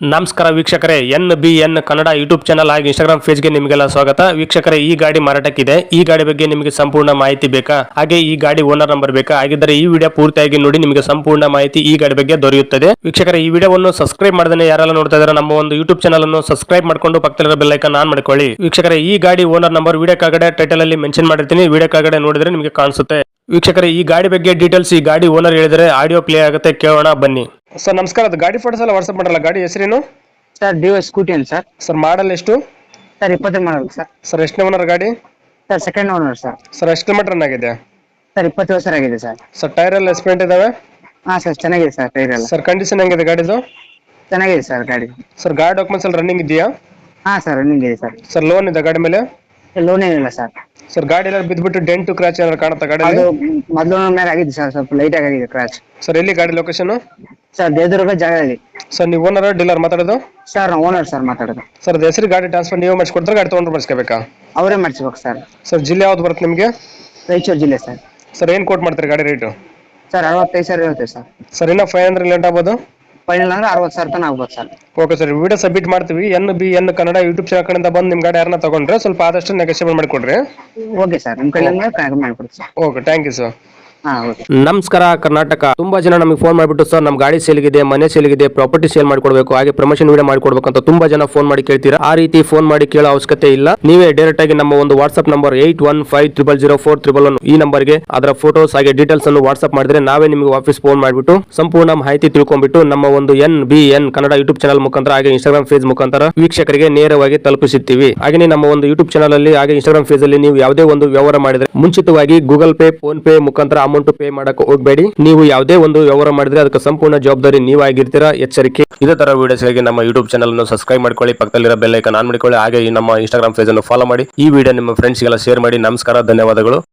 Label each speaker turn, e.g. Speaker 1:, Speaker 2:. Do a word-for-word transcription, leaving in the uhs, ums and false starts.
Speaker 1: ನಮಸ್ಕಾರ ವೀಕ್ಷಕರೇ, N B N Kannada YouTube channel ಹಾಗೆ ಇನ್ಸ್ಟಾಗ್ರಾಮ್ ಪೇಜ್ಗೆ ನಿಮಗೆಲ್ಲ ಸ್ವಾಗತ. ವೀಕ್ಷಕರೇ, ಈ ಗಾಡಿ ಮಾರಾಟಕ್ಕಿದೆ. ಈ ಗಾಡಿ ಬಗ್ಗೆ ನಿಮಗೆ ಸಂಪೂರ್ಣ ಮಾಹಿತಿ ಬೇಕಾ, ಹಾಗೆ ಈ ಗಾಡಿ ಓನರ್ ನಂಬರ್ ಬೇಕಾ? ಹಾಗಿದ್ದರೆ ಈ ವಿಡಿಯೋ ಪೂರ್ತಿಯಾಗಿ ನೋಡಿ, ನಿಮಗೆ ಸಂಪೂರ್ಣ ಮಾಹಿತಿ ಈ ಗಾಡಿ ಬಗ್ಗೆ ದೊರೆಯುತ್ತದೆ. ವೀಕ್ಷಕರೇ, ಈ ವಿಡಿಯೋವನ್ನು ಸಬ್ಸ್ಕ್ರೈಬ್ ಮಾಡದೇ ಯಾರೆಲ್ಲ ನೋಡ್ತಾ ಇದ್ದಾರೆ ನಮ್ಮ ಒಂದು ಯೂಟ್ಯೂಬ್ ಚಾನಲ್ ಅನ್ನು ಸಬ್ಸ್ಕ್ರೈಬ್ ಮಾಡ್ಕೊಂಡು ಪಕ್ಕದಲ್ಲಿರೋ ಬೆಲ್ ಐಕಾನ್ ಆನ್ ಮಾಡ್ಕೊಳ್ಳಿ. ವೀಕ್ಷಕರೇ, ಈ ಗಾಡಿ ಓನರ್ ನಂಬರ್ ವಿಡಿಯೋ ಕೆಳಗಡೆ ಟೈಟಲ್ ಅಲ್ಲಿ ಮೆನ್ಷನ್ ಮಾಡಿರ್ತೀನಿ, ವಿಡಿಯೋ ಕೆಳಗಡೆ ನೋಡಿದ್ರೆ ನಿಮಗೆ ಕಾಣಿಸುತ್ತೆ. ವೀಕ್ಷಕರೇ, ಈ ಗಾಡಿ ಬಗ್ಗೆ ಡೀಟೇಲ್ಸ್ ಈ ಗಾಡಿ ಓನರ್ ಹೇಳಿದರೆ ಆಡಿಯೋ ಪ್ಲೇ ಆಗುತ್ತೆ, ಕೇಳೋಣ ಬನ್ನಿ. ಸರ್ ನಮಸ್ಕಾರ, ಅದು ಗಾಡಿ ಫೋಟೋಸ್ ಎಲ್ಲ ವಾಟ್ಸ್ಆಪ್ ಮಾಡಲ್ಲ. ಗಾಡಿ ಹೆಸರೇನು
Speaker 2: ಸರ್? ಡಿಯೋ ಸ್ಕೂಟಿ ಅಂತ ಸರ್.
Speaker 1: ಸರ್ ಮಾಡಲ್ ಎಷ್ಟು?
Speaker 2: ಸರ್ ಇಪ್ಪತ್ತೈದು ಮಾಡಲ್ ಸರ್.
Speaker 1: ಸರ್ ಎಷ್ಟನೇ ಓನರ್ ಗಾಡಿ?
Speaker 2: Sir second owner sir.
Speaker 1: Sir ಎಷ್ಟು ಕಿಲೋಮೀಟರ್ ರನ್ ಆಗಿದೆ?
Speaker 2: ಸರ್ ಇಪ್ಪತ್ತು ವರ್ಷ ಆಗಿದೆ ಸರ್.
Speaker 1: ಸರ್ ಟೈರ್ ಎಲ್ಲ ಎಸ್ಪೆಂಟ್ ಇದಾವೆ?
Speaker 2: ಹಾಂ ಸರ್, ಚೆನ್ನಾಗಿದೆ ಸರ್ ಟೈರ್ ಎಲ್ಲ.
Speaker 1: ಸರ್ ಕಂಡೀಷನ್ ಹೆಂಗಿದೆ ಗಾಡಿದು?
Speaker 2: ಚೆನ್ನಾಗಿದೆ ಸರ್ ಗಾಡಿ.
Speaker 1: ಸರ್ ಗಾಡಿ ಡಾಕ್ಯುಮೆಂಟ್ಸ್ ಎಲ್ಲ ರನ್ನಿಂಗ್ ಇದೆಯಾ?
Speaker 2: ಹಾಂ ಸರ್ ರನ್ನಿಂಗ್ ಇದೆ ಸರ್.
Speaker 1: ಸರ್ ಲೋನ್ ಇದೆ ಗಾಡಿ ಮೇಲೆ?
Speaker 2: ಲೋನ್ ಏನಿಲ್ಲ ಸರ್.
Speaker 1: ಸರ್ ಗಾಡಿ ಎಲ್ಲ ಬಿದ್ದುಬಿಟ್ಟು ಡೆಂಟು ಕ್ರಾಚ್ ಏನಾದ್ರು ಕಾಣುತ್ತಾ ಗಾಡಿ?
Speaker 2: ಅದು ಮೊದಲು ಮೇಲೆ ಆಗಿದೆ ಸರ್, ಸ್ವಲ್ಪ ಲೈಟ್ ಆಗಿದೆ ಕ್ರಾಚ್.
Speaker 1: ಸರ್ ಎಲ್ಲಿ ಗಾಡಿ ಲೊಕೇಶನ್?
Speaker 2: ಸರ್ ದೇವದುರ್ಗ ಜಾಗ ಇದೆ
Speaker 1: ಸರ್ ನೀವು ಓನರ್ ಡೀಲರ್ ಮಾತಾಡೋದು?
Speaker 2: ಸರ್ ನಾವು ಓನರ್ ಸರ್ ಮಾತಾಡೋದು.
Speaker 1: ಸರ್ ಅದು ಹೆಸರು ಗಾಡಿ ಟ್ರಾನ್ಸ್ಫರ್ ನೀವು ಮಾಡಿಸ್ಕೊಡ್ತಾರೆ, ಗಾಡಿ ತೊಗೊಂಡ್ರೆ ಮಾಡಿಸ್ಕೋಬೇಕಾ?
Speaker 2: ಅವರೇ ಮಾಡಿಸ್ಬೇಕು ಸರ್.
Speaker 1: ಸರ್ ಜಿಲ್ಲೆ ಯಾವ್ದು ಬರುತ್ತೆ ನಿಮಗೆ?
Speaker 2: ರಾಯಚೂರು ಜಿಲ್ಲೆ ಸರ್.
Speaker 1: ಸರ್ ಏನು ಕೋಟ್ ಮಾಡ್ತಾರೆ ಗಾಡಿ ರೇಟು?
Speaker 2: ಸರ್ ಅರವತ್ತೈದು ಸಾವಿರ ಇರುತ್ತೆ ಸರ್.
Speaker 1: ಸರ್ ಇನ್ನೂ ಫೈವ್ ಹಂಡ್ರೆಡ್ ಲೇಟ್ ಆಗ್ಬೋದು?
Speaker 2: ಫೈನಲ್ ಅಂದ್ರೆ ಅರವತ್ತು ಸಾವಿರ ತನಕ ಆಗ್ಬೋದು sir.
Speaker 1: Okay sir, video submit ಮಾಡ್ತೀವಿ. N B N Kannada YouTube channel ಕಡೆಯಿಂದ ಬಂದು ನಿಮ್ಮ ಗಾಡಿ ಯಾರನ್ನ ತಗೊಂಡ್ರೆ ಸ್ವಲ್ಪ ಆದಷ್ಟು ನೆಗೋಷಿಯೇಟ್ ಮಾಡಿಕೊಡ್ರಿ.
Speaker 2: ಓಕೆ ಸರ್, ನಿಮ್ಮ ಕಡೆಯಿಂದ ಮಾಡಿಕೊಡ್ತೀವಿ sir.
Speaker 1: Okay, thank you sir. ನಮಸ್ಕಾರ ಕರ್ನಾಟಕ. ತುಂಬಾ ಜನ ನಮಗೆ ಫೋನ್ ಮಾಡಿಬಿಟ್ಟು ಸರ್ ನಮ್ಮ ಗಾಡಿ ಸೇಲ್ಗಿದೆ, ಮನೆ ಸೇಲ್ಗಿದೆ, ಪ್ರಾಪರ್ಟಿ ಸೇಲ್ ಮಾಡ್ಕೊಡ್ಬೇಕು, ಹಾಗೆ ಪ್ರಮೋಷನ್ ವಿಡಿಯೋ ಮಾಡ್ಕೊಡ್ಬೇಕು ಅಂತ ತುಂಬಾ ಜನ ಫೋನ್ ಮಾಡಿ ಕೇಳ್ತೀರಾ. ಆ ರೀತಿ ಫೋನ್ ಮಾಡಿ ಕೇಳೋ ಅವಶ್ಯಕತೆ ಇಲ್ಲ. ನೀವೇ ಡೈರೆಕ್ಟ್ ಆಗಿ ನಮ್ಮ ಒಂದು WhatsApp number eight one five triple zero four triple one ಈ ನಂಬರ್ಗೆ ಅದರ ಫೋಟೋಸ್ ಹಾಗೆ ಡೀಟೇಲ್ಸ್ ಅನ್ನು ವಾಟ್ಸ್ಆಪ್ ಮಾಡಿದ್ರೆ ನಾವೇ ನಿಮಗೆ ವಾಪಸ್ ಫೋನ್ ಮಾಡಿಬಿಟ್ಟು ಸಂಪೂರ್ಣ ಮಾಹಿತಿ ತಿಳ್ಕೊಂಡ್ಬಿಟ್ಟು ನಮ್ಮ ಒಂದು N B N Kannada YouTube channel ಮುಖಾಂತರ ಹಾಗೆ ಇನ್ಸ್ಟಾಗ್ರಾಮ್ ಪೇಜ್ ಮುಖಾಂತರ ವೀಕ್ಷಕರಿಗೆ ನೇರವಾಗಿ ತಲುಪಿಸುತ್ತೀವಿ. ಹಾಗೆ ನಮ್ಮ ಒಂದು ಯೂಟ್ಯೂಬ್ ಚಾನಲ್ ಅಲ್ಲಿ ಹಾಗೆ ಇನ್ಸ್ಟಾಗ್ರಾಮ್ ಪೇಜ್ ಅಲ್ಲಿ ನೀವು ಯಾವುದೇ ಒಂದು ವ್ಯವಹಾರ ಮಾಡಿದ್ರೆ ಮುಂಚಿತವಾಗಿ ಗೂಗಲ್ ಪೇ, ಫೋನ್ ಪೇ ಮುಖಾಂತರ ಅಮೌಂಟ್ ಪೇ ಮಾಡಕ್ಕೆ ಹೋಗಬೇಡಿ. ನೀವು ಯಾವುದೇ ಒಂದು ವ್ಯವಹಾರ ಮಾಡಿದ್ರೆ ಅದಕ್ಕೆ ಸಂಪೂರ್ಣ ಜವಾಬ್ದಾರಿ ನೀವಾಗಿರ್ತೀರಾ, ಎಚ್ಚರಿಕೆ. ಇದೇ ತರ ವಿಡಿಯೋಸ್ಗಾಗಿ ನಮ್ಮ ಯೂಟ್ಯೂಬ್ ಚಾನಲ್ ಅನ್ನು ಸಬ್ಸ್ಕ್ರೈಬ್ ಮಾಡ್ಕೊಳ್ಳಿ, ಪಕ್ಕದಲ್ಲಿರೋ ಬೆಲ್ ಐಕಾನ್ ಆನ್ ಮಾಡಿಕೊಳ್ಳಿ, ಹಾಗೆ ನಮ್ಮ ಇನ್ಸ್ಟಾಗ್ರಾಮ್ ಪೇಜ್ ಅನ್ನು ಫಾಲೋ ಮಾಡಿ. ಈ ವಿಡಿಯೋ ನಿಮ್ಮ ಫ್ರೆಂಡ್ಸ್ಗೆಲ್ಲ ಶೇರ್ ಮಾಡಿ. ನಮಸ್ಕಾರ, ಧನ್ಯವಾದಗಳು.